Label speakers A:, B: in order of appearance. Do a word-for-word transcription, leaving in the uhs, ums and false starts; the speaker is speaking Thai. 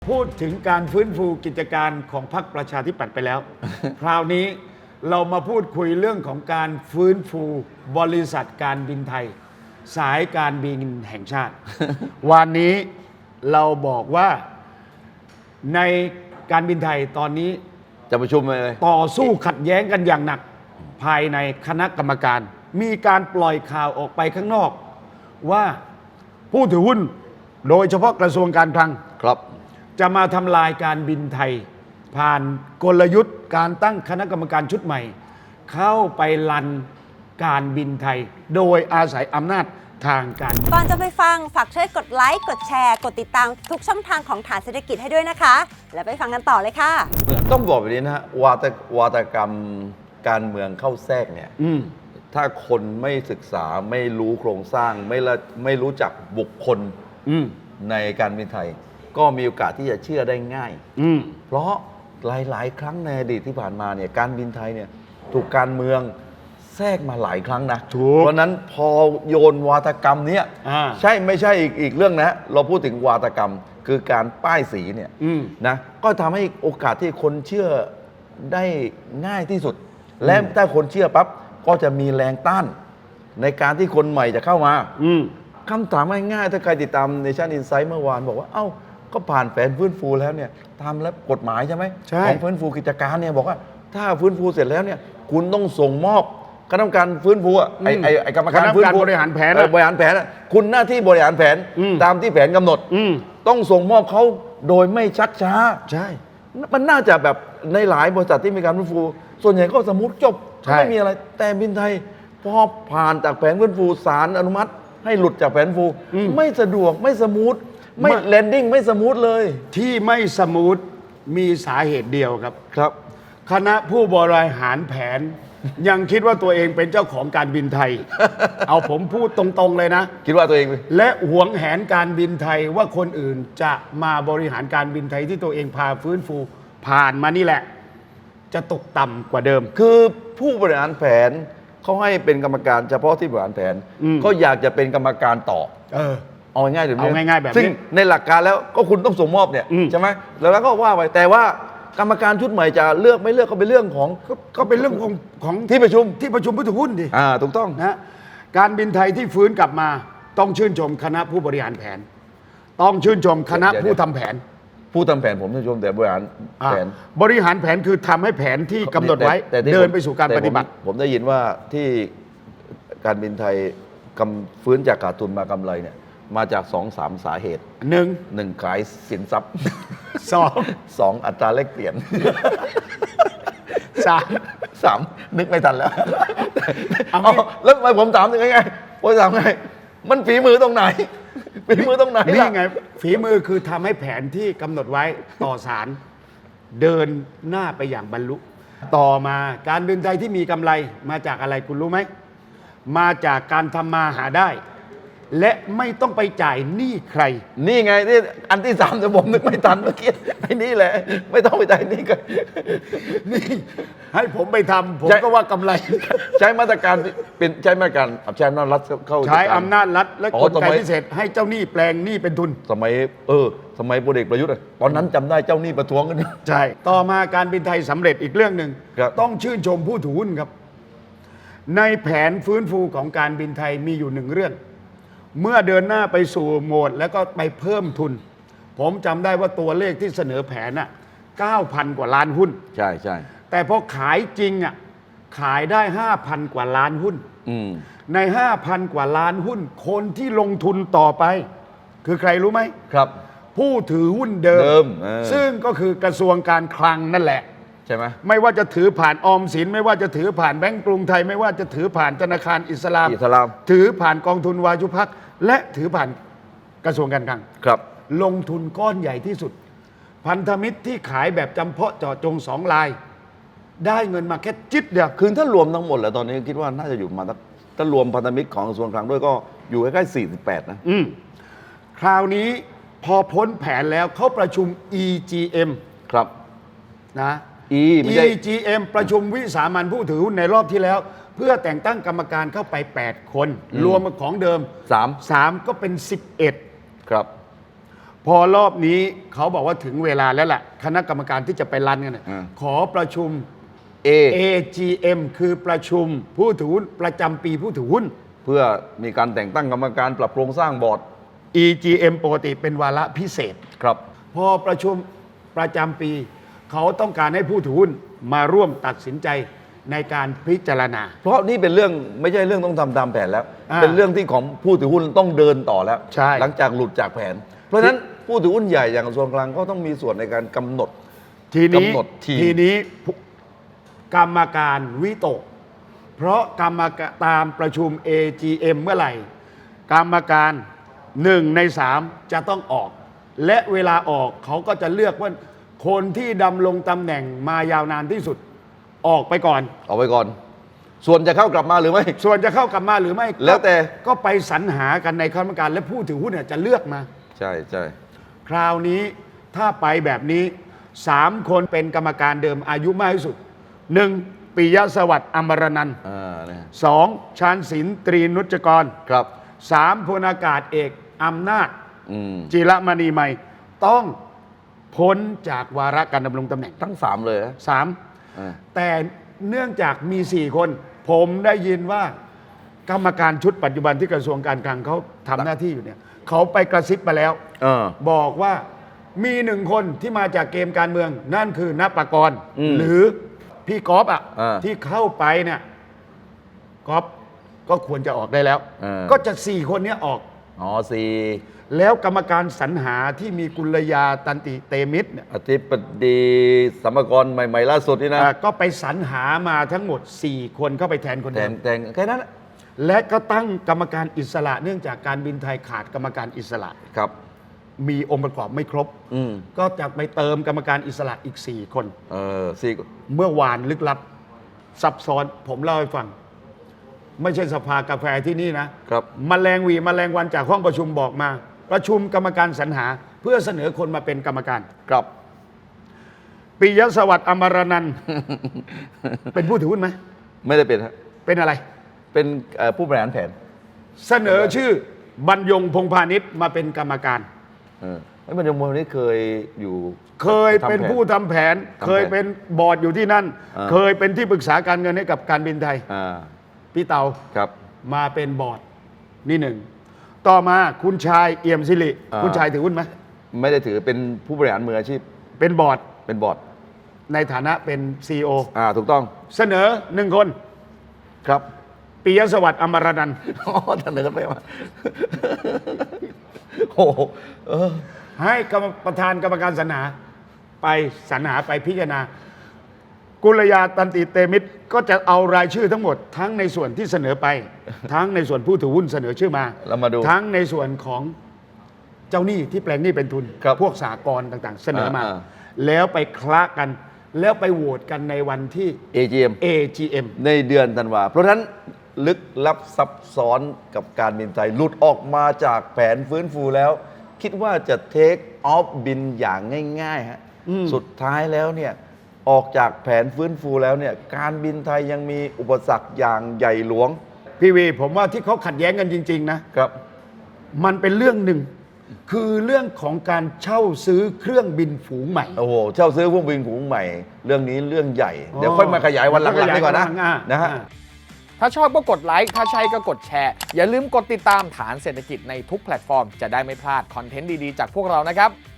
A: พูดถึงการฟื้นฟูกิจการของพรรคประชาธิปัตย์ไปแล้ว คราวนี้เรามาพูดคุยเรื่องของการฟื้นฟูบริษัทการบินไทย สายการบินแห่งชาติ วันนี้เราบอกว่าในการบินไทยตอนนี้
B: จะประชุมเลย
A: ต่อสู้ขัดแย้งกันอย่างหนักภายในคณะกรรมการ มีการปล่อยข่าวออกไปข้างนอก ว่าผู้ถือหุ้นโดยเฉพาะกระทรวงการคลัง
B: ครับ
A: จะมาทำลายการบินไทย ผ่านกลยุทธ์การตั้งคณะกรรมการชุดใหม่ เข้าไปลันการบินไทย โดยอาศัยอำนาจทางการ
C: ก่อนจะไปฟังฝากช่วยกดไลค์กดแชร์กดติดตามทุกช่องทางของฐานเศรษฐกิจให้ด้วยนะคะ แล้วไปฟังกันต่อเลยค่ะ
B: ต้องบอกแบบนี้นะฮะวาตวาตกรรมการเมืองเข้าแทรกเนี่ย
A: อืม
B: ถ้าคนไม่ศึกษาไม่รู้โครงสร้างไม่ละไม่รู้จักบุคคล
A: อืม
B: ในการบินไทย ก็มีโอกาสที่จะเชื่อได้ง่าย
A: อืม
B: เพราะหลาย ๆ ครั้งในอดีตที่ผ่านมาเนี่ยการบินไทยเนี่ยถูกการเมืองแทรกมาหลายครั้งนะ
A: ถูก
B: เพราะนั้นพอโยนวาทกรรมเนี้ย
A: อ่า
B: ใช่ไม่ใช่อีกอีกเรื่องนะ เราพูดถึงวาทกรรมคือการป้ายสีเนี่ย
A: อืม
B: นะก็ทำให้โอกาสที่คนเชื่อได้ง่ายที่สุด และถ้าคนเชื่อปั๊บก็จะมีแรงต้าน ในการที่คนใหม่จะเข้ามา
A: อืม
B: คำถามง่ายๆถ้าใครติดตามในชั้นอินไซต์เมื่อวานบอกว่าเอ้าก็ผ่านแผนฟื้นฟูแล้วเนี่ยทำแล้วกฎหมายใช่ไหม
A: ใช่
B: ของฟื้นฟูกิจการเนี่ยบอกว่าถ้าฟื้นฟูเสร็จแล้วเนี่ยคุณต้องส่งมอบคณะกรรมการฟื้นฟูอะไอไอไอกรรมการฟื้นฟู
A: บริหารแผน
B: เออบริหารแผนอะคุณหน้าที่บริหารแผน
A: อืม
B: ตามที่แผนกำหนด
A: อืม
B: ต้องส่งมอบเขาโดยไม่ชักช้า
A: ใช่
B: มันน่าจะแบบในหลายบริษัทที่มีการฟื้นฟู ส่วนใหญ่ก็สมมติจบ
A: ใช่
B: ไม่มีอะไรแต่บินไทยพอผ่านจากแผนฟื้นฟูศาลอนุมัติ ให้หลุดจากแผนฟู ไม่สะดวกไม่สมูทไม่แลนดิ้งไม่สมูทเลย
A: ที่ไม่สมูทมีสาเหตุเดียวครับ
B: ครับ
A: คณะผู้บริหารแผน ยังคิดว่าตัวเองเป็นเจ้าของการบินไทย เอาผมพูดตรงๆเลยนะ
B: คิดว่าตัวเอง
A: และหวงแหนการบินไทยว่าคนอื่นจะมาบริหารการบินไทยที่ตัวเองพาฟื้นฟู ผ่านมานี่แหละ จะตกต่ำกว่าเดิม
B: คือผู้บริหารแผนเขาให้เป็นกรรมการเฉพาะที่บริหารแผน
A: อืม
B: ก็อยากจะเป็นกรรมการต่อ
A: เออ
B: เอาง่ายๆแบบนี้
A: เอาง่ายๆแบบนี้
B: ซึ่งในหลักการแล้วก็คุณต้องส่งมอบเนี่ย
A: อืม
B: ใช่ไหมแล้วก็ว่าไปแต่ว่ากรรมการชุดใหม่จะเลือกไม่เลือกก็เป็นเรื่องของ
A: ก็ก็เป็นเรื่องของของ
B: ที่ประชุม
A: ที่ประชุมผู้ถือหุ้นดิ
B: อ่าถูกต้อง
A: นะการบินไทยที่ฟื้นกลับมา ต้องชื่นชมคณะผู้บริหารแผน ต้องชื่นชมคณะ
B: เดี๋ยว
A: ผู้ทำแผน
B: ผู้ทำแผนผมต้องชมแต่บริหาร
A: อ่า
B: แผน
A: บริหารแผนคือทำให้แผนที่กำหนดไว้
B: แต่แต่ที่
A: เดิน
B: ผม
A: ไปสู่การ
B: แต่
A: ปฏิบัติ
B: ผมผมได้ยินว่าที่การบินไทยกำฟื้นจากขาดทุนมากำไรเนี่ยมาจากสองสามสาเหตุ
A: หนึ่ง
B: หนึ่งขายสินทรัพย์
A: สอง
B: สองอัตราแลกเปลี่ยน
A: สาม
B: สามนึกไม่ทันแล้ว
A: เอางี้
B: เอาแล้วทำไมผมถามถึงไงผมถามไงมันฝีมือตรงไหน ฝีมือตรงไหน
A: นี่
B: ล่ะ
A: ไง ฝีมือคือทำให้แผนที่กำหนดไว้ต่อสาร เดินหน้าไปอย่างบรรลุ ต่อมาการบินไทยที่มีกำไรมาจากอะไรคุณรู้ไหม มาจากการทำมาหาได้ และไม่ต้องไปจ่ายหนี้ใคร
B: นี่ไงที่อันที่สามแต่ผมนึกไม่ทันเมื่อกี้ไอ้นี่แหละ ไม่ต้องไปใจายนี่ก็
A: นี่ให้ผมไปทำผม
B: ใช่
A: ก็ว่ากำไร
B: ใช้มาตรการเป็นใช้มาตรการใช้อำนาจรัฐเข้า
A: ใช้อำนาจรัฐและ
B: อ๋อก
A: ลไก
B: สมัย
A: พิเศษให้เจ้าหนี้แปลงหนี้เป็นทุน
B: สมัยเออ สมัยพลเอกประยุทธ์อะตอนนั้นจำได้เจ้าหนี้ประท้วงกัน
A: ใช่ ต่อมาการบินไทยสำเร็จอีกเรื่องหนึ่ง
B: ครับ
A: ต้องชื่นชมผู้ถือหุ้นครับ ในแผนฟื้นฟูของการบินไทยมีอยู่หนึ่งเรื่อง เมื่อเดินหน้าไปสู่โหมดแล้วก็ไปเพิ่มทุน ผมจำได้ว่าตัวเลขที่เสนอแผนน่ะเก้าพันกว่าล้านหุ้น
B: ใช่ใช่
A: แต่พอขายจริงอ่ะขายได้ ห้าพัน กว่าล้านหุ้น
B: อืม
A: ใน ห้าพัน กว่าล้านหุ้น คนที่ลงทุนต่อไป คือใครรู้ไหม
B: ครับ
A: ผู้ถือหุ้นเดิ
B: เดิมเออ
A: ซึ่งก็คือกระทรวงการคลังนั่นแหละ
B: ใช่ไหม
A: ไม่ว่าจะถือผ่านออมสินไม่ว่าจะถือผ่านแบงก์กรุงไทย ไม่ว่าจะถือผ่านธนาคารอิสลาม
B: อิสลาม
A: ถือผ่านกองทุนวายุพักและถือผ่านกระทรวงการคลัง
B: ครับ
A: ลงทุนก้อนใหญ่ที่สุด พันธมิตรที่ขายแบบจำเพาะเจาะจงสองลาย ได้เงินมาแค่จิตเดียว
B: คือถ้ารวมทั้งหมดแล้วตอนนี้คิดว่าน่าจะอยู่ประมาณสักถ้ารวมพันธมิตรของกระทรวงคลังด้วยก็อยู่ใกล้ๆสี่สิบแปดนะ
A: อืมคราวนี้พอพ้นแผนแล้วเขาประชุม อี จี เอ็ม
B: ครับ
A: นะ
B: E ไม่ใช่
A: อี จี เอ็ม ประชุมวิสามัญผู้ถือหุ้นในรอบที่แล้ว เพื่อแต่งตั้งกรรมการเข้าไป แปด คน รวมของเดิม
B: สาม
A: สามก็เป็น สิบเอ็ด
B: ครับ
A: พอรอบนี้เขาบอกว่าถึงเวลาแล้วล่ะคณะกรรมการที่จะไปรันกันน่ะ
B: อ่า
A: ขอประชุม
B: A
A: เอ จี เอ็ม คือประชุมผู้ถือหุ้นประจำปีผู้ถือหุ้น
B: เพื่อมีการแต่งตั้งกรรมการปรับโครงสร้างบอร์ด
A: อี จี เอ็ม ปกติเป็นวาระพิเศษ
B: ครับ
A: พอประชุมประจำปี เขาต้องการให้ผู้ถือหุ้นมาร่วมตัดสินใจในการพิจารณา
B: เพราะนี่เป็นเรื่องไม่ใช่เรื่องต้องทำตามแผนแล้ว
A: อ่า
B: เป็นเรื่องที่ของผู้ถือหุ้นต้องเดินต่อแล้ว
A: ใช่
B: หลังจากหลุดจากแผน เพราะฉะนั้นผู้ถือหุ้นใหญ่อย่างกระทรวงกลางก็ต้องมีส่วนในการกำหนด
A: ทีนี้
B: กำหนดทีม
A: ทีนี้ผู้กรรมการวิตก เพราะกรรมการตามประชุม เอ จี เอ็ม เมื่อไหร่ กรรมการหนึ่งในสามจะต้องออก และเวลาออกเขาก็จะเลือกว่าคนที่ดำรงตำแหน่งมายาวนานที่สุดออกไปก่อน
B: เอาไว้ก่อน ส่วนจะเข้ากลับมาหรือไม่
A: ส่วนจะเข้ากลับมาหรือไม่
B: แล้วแต่
A: ก็ไปสรรหากันในคณะกรรมการและผู้ถือหุ้นเนี่ยจะเลือกมา
B: ใช่ใช่
A: คราวนี้ถ้าไปแบบนี้สามคนเป็นกรรมการเดิมอายุมากที่สุดหนึ่งปิยสวัสดิ์อมรนันท์
B: อ่าเนี่ย
A: สองชาญศิลป์ตรีนุจกร
B: ครับ
A: สามพลอากาศเอกอำนาจ
B: อืม
A: จิรมณีใหม่ ต้องพ้นจากวาระการดำรงตำแหน่ง
B: ทั้งสามเลยนะ
A: สาม
B: อ่า
A: แต่เนื่องจากมีสี่คน ผมได้ยินว่ากรรมการชุดปัจจุบันที่กระทรวงการคลังเขาทำหน้าที่อยู่เนี่ยเขาไปกระซิบมาแล้ว
B: เออ
A: บอกว่ามีหนึ่งคนที่มาจากเกมการเมือง นั่นคือนับประกรณ์
B: อืม
A: หรือพี่ก๊อฟอ่ะ
B: อ่า
A: ที่เข้าไปเนี่ยก๊อฟก็ควรจะออกได้แล้ว
B: อ่า
A: ก็จะสี่คนเนี้ยออก
B: อ๋อสี่
A: แล้วกรรมการสรรหาที่มีกุลยาตันติเตมิตรเนี่ย
B: อธิบดีสัมภากรใหม่ ๆ ล่าสุดนี่นะ
A: อ่าก็ไปสรรหามาทั้งหมด สี่ คนเข้าไปแทนคน
B: แท
A: เดิ
B: น
A: ม
B: แทนแค่นั้นแหละ
A: และก็ตั้งกรรมการอิสระ เนื่องจากการบินไทยขาดกรรมการอิสระ
B: ครับ
A: มีองค์ประกอบไม่ครบ
B: อืม
A: ก็จะไปเติมกรรมการอิสระอีก สี่ คน
B: เออสี่
A: เมื่อวานลึกลับซับซ้อนผมเล่าให้ฟัง ไม่ใช่สภากาแฟที่นี่นะครับ มแมลงหวีมแมลงวันจากห้องประชุมบอกมา ประชุมกรรมการสรรหา เพื่อเสนอคนมาเป็นกรรมการ
B: ครับ
A: ปิยสวัสดิ์อมรนันท์ เป็นผู้ถือหุ้นไหม
B: ไม่ได้เป็นฮะ
A: เป็นอะไร
B: เป็นเอ่อผู้บริหารแผน
A: เสนอชื่อบรรยงพงพาณิชย์มาเป็นกรรมการ
B: เออไอ้บรรยงมนี่เคยอยู่
A: เคยเป็น
B: ทำแผ
A: ผู้ทำแผน
B: ทำแผน
A: เคยเป็นบอร์ดอยู่ที่นั่น
B: อ่า
A: เคยเป็นที่ปรึกษาการเงินให้กับการบินไทย
B: อ่า
A: พี่เตา
B: ครับ
A: มาเป็นบอร์ดนี่หนึ่ง ต่อมาคุณชายเอี่ยมสิริ
B: อ่า
A: คุณชายถือหุ้นไหม
B: ไม่ได้ถือเป็นผู้บริหารมืออาชีพ
A: เป็นบอร์ด
B: เป็นบอร์ด
A: ในฐานะเป็น ซี อี โอ
B: อ่าถูกต้อง
A: เสนอหนึ่งคน
B: ครับ
A: ปิยสวัสดิ์อมรนันท์
B: อ๋อเสนอไปมา โอ้โหเออ
A: ให้กรรมประธานกรรมการสรรหาไปสรรหาไปพิจารณา กุลยาตันติเตมิตรก็จะเอารายชื่อทั้งหมด ทั้งในส่วนที่เสนอไป ทั้งในส่วนผู้ถือหุ้นเสนอชื่อมา
B: เรามาดู
A: ทั้งในส่วนของเจ้าหนี้ที่แปลงหนี้เป็นทุน
B: ครับ
A: พวกสากลต่างๆ เสนอมา
B: อ่า
A: แล้วไปคละกัน แล้วไปโหวตกันในวันที่
B: เอ จี เอ็ม
A: เอ จี เอ็ม
B: ในเดือนธันวาเพราะฉะนั้นลึกลับซับซ้อนกับการบินไทยหลุดออกมาจากแผนฟื้นฟูแล้ว คิดว่าจะเทคออฟบินอย่างง่ายๆฮะ
A: อืม
B: สุดท้ายแล้วเนี่ยออกจากแผนฟื้นฟูแล้วเนี่ยการบินไทยยังมีอุปสรรคอย่างใหญ่หลวง
A: พี่วีผมว่าที่เขาขัดแย้งกันจริง ๆ นะ
B: ครับ
A: มันเป็นเรื่องหนึ่ง คือเรื่องของการเช่าซื้อเครื่องบินฝูงใหม่
B: โอ้โหเช่าซื้อพวกบินฝูงใหม่ เรื่องนี้เรื่องใหญ่ เดี๋ยวค่อยมาขยายวันหลังๆดีกว่านะ
A: อ่า
B: นะฮะ
A: อ่า
D: ถ้าชอบก็กดไลค์ ถ้าใช่ก็กดแชร์ อย่าลืมกดติดตามฐานเศรษฐกิจในทุกแพลตฟอร์ม จะได้ไม่พลาดคอนเทนต์ดี ๆ จากพวกเรานะครับ